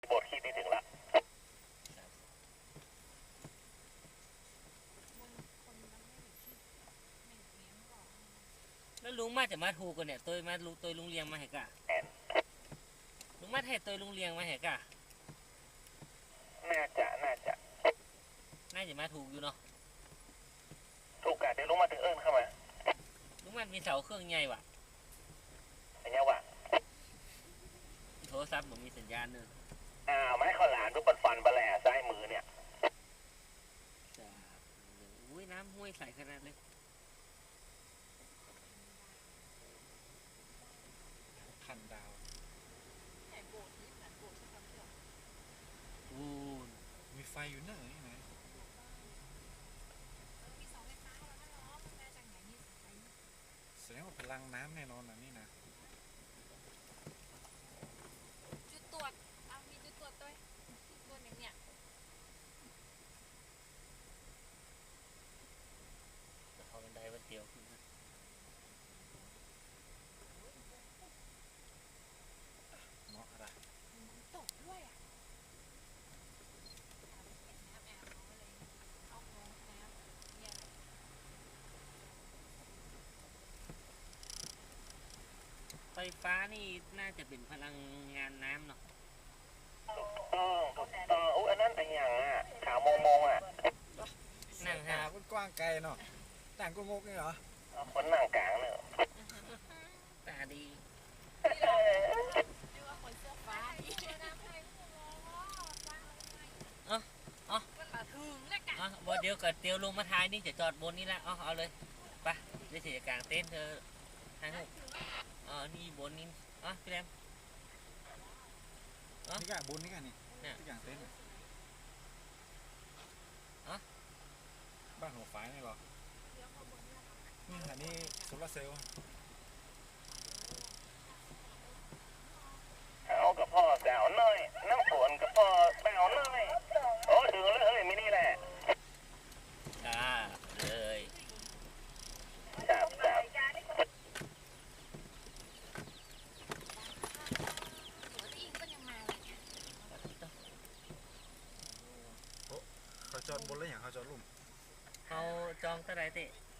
บทคิดนี่ถึงละแล้วลุงมาจะมาถูกกันเนี่ยตัวมาลุงตัวลุงเลียงมาเหรอกะลุงมาให้ตัวลุงเลียงมาเหรอกะน่าจะน่าจะมาถูกอยู่เนาะถูกกะเดี๋ยวลุงมาถึงเอิญเข้ามาลุงมันมีเสาเครื่องใหญ่ว่ะอันนี้ว่ะโทรศัพท์ผมมีสัญญาณเนอะไม้ข้าวหลามทุกคนฟันบะแหล่ซ้ายมือเนี่ยจะอุ้ยน้ำห้วยใสขนาดเลยพันดาวอู้มีไฟอยู่ไหนไหนแสดงว่าพลังน้ำแน่นอนนะนี่นะจุดตรวจมีจุดตรวจด้วยตัวหนึ่งเนี่ยจะพอบันไดวันเดียวขึ้นนะเนาะอะไรตกด้วยอ่ะน้ำแอบเขาเลยเอาลงน้ำเนี่ยไฟฟ้านี่น่าจะเป็นพลังงานน้ำเนาะอันนั้นแต่อย่างขาวมงนั่งฮะกว้างไกลเนาะต่างก็งกนี่เหรอคนนั่งกลางเนี่ยตาดีเรียกว่าคนเสื้อฟ้ามันมาถึงแล้วกันบ่เดี๋ยวกับเตียวลงมาท้ายนี่จะจอดบนนี่ละเอาเลยไปเดี๋ยวเสียกลางเต้นเธอทางหูนี่บนนี่พี่แรมนี่กะบนนี่กะนี่ที่กลางเต็นท์บ้านหัวฝายนี่หรอนี่อันนี้โซลาเซลล์เอากับพ่อแซวหน่อยน้ำฝนกับพ่อแซวหน่อยโอ้ถึงแล้วเฮ้ยมินี่แหละเลยจับเขาจอดบนแล้วอย่างเขาจอดลุ่มเขาจองเท่าไรเตะ